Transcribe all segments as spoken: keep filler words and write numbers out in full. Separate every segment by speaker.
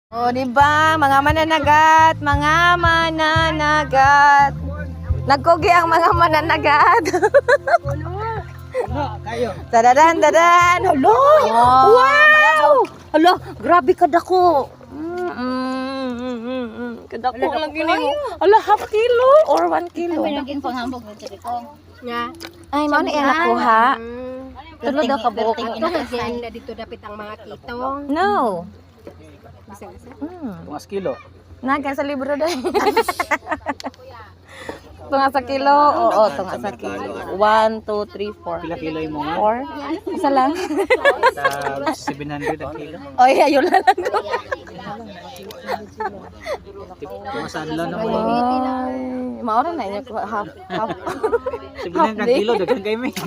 Speaker 1: O, di ba? Mga mananagat, mga mananagat. Nagkugi ang mga mananagat. Dadadan, dadan. Hello! Wow! Hello, grabe ka dako. Mm, mm, mm, mm, mm. Kadako lang gini mo. Ala, half kilo or one kilo.
Speaker 2: Ano yung panghambog ng tiri ko? Nga.
Speaker 1: Ay, mao ni ang nakuha. Tulo daw ka buok.
Speaker 2: Ito kasi na dito dapit ang mga kitong.
Speaker 1: No.
Speaker 2: Bisa-bisa.
Speaker 1: Mm.
Speaker 3: Tungas kilo.
Speaker 1: Naga sa libro dai. Tunga sa kilo. Oo, tunga sa kilo. One, two, three, four.
Speaker 3: Pila kilo yung mga?
Speaker 1: Four? Isa lang.
Speaker 3: Sa seven hundred ang kilo.
Speaker 1: Oy, ayun lang ko.
Speaker 3: Tumasan lang naman.
Speaker 1: Ay, maura na inyo ko half half.
Speaker 3: seven hundred ang kilo, dagan kayo may.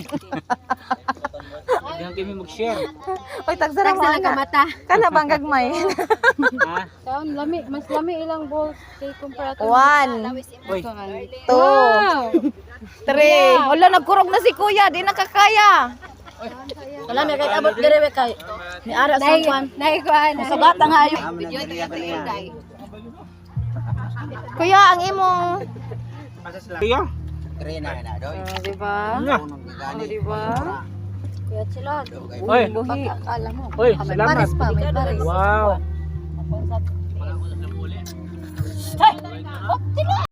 Speaker 3: Dagan kayo may mag-share.
Speaker 1: Oy, tagsara mo
Speaker 2: Tagsara ka
Speaker 1: ana.
Speaker 2: mata.
Speaker 1: Kana bang gagmay?
Speaker 3: Ha?
Speaker 2: Kaon lami, mas lami ilang balls kay kumpara to.
Speaker 1: One,
Speaker 3: Uy,
Speaker 1: two, three. Wala, nagkurog na si kuya. Di nakakaya.
Speaker 2: Wala may kay abot dire kay. Ni ara sa kwan. Nay kwan. Sa batang hayo.
Speaker 1: Kuya, ang imong...
Speaker 3: kaya?
Speaker 1: Ah, di ba?
Speaker 3: Nga.
Speaker 1: Oh, di ba?
Speaker 2: Kuya Chilod.
Speaker 3: Uy,
Speaker 1: Buhi.
Speaker 2: Akala mo.
Speaker 3: uy,
Speaker 2: May
Speaker 3: salamat.
Speaker 2: pares pa, may pares.
Speaker 3: Wow.